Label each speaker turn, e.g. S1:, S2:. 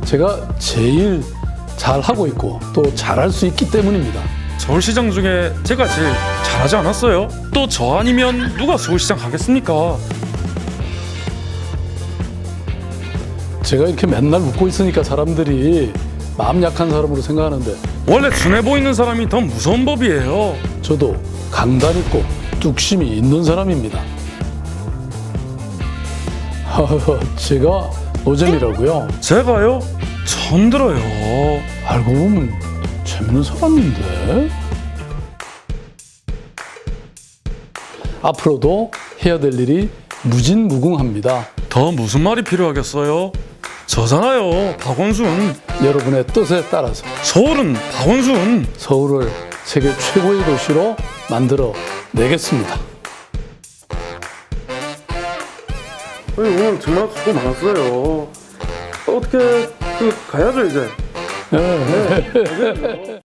S1: 제가 제일 잘하고 있고 또 잘할 수 있기 때문입니다.
S2: 서울시장 중에 제가 제일 잘하지 않았어요? 또 저 아니면 누가 서울시장 가겠습니까?
S1: 제가 이렇게 맨날 웃고 있으니까 사람들이 마음 약한 사람으로 생각하는데
S2: 원래 순해 보이는 사람이 더 무서운 법이에요.
S1: 저도 강단 있고 뚝심이 있는 사람입니다. 제가 노잼이라고요?
S2: 제가요? 처음 들어요.
S1: 알고 보면 재밌는 사람인데? 앞으로도 해야 될 일이 무진무궁합니다.
S2: 더 무슨 말이 필요하겠어요? 저잖아요, 박원순.
S1: 여러분의 뜻에 따라서
S2: 서울은 박원순.
S1: 서울을 세계 최고의 도시로 만들어 내겠습니다.
S2: 오늘 정말 수고 많았어요. 어떻게 가야죠 이제.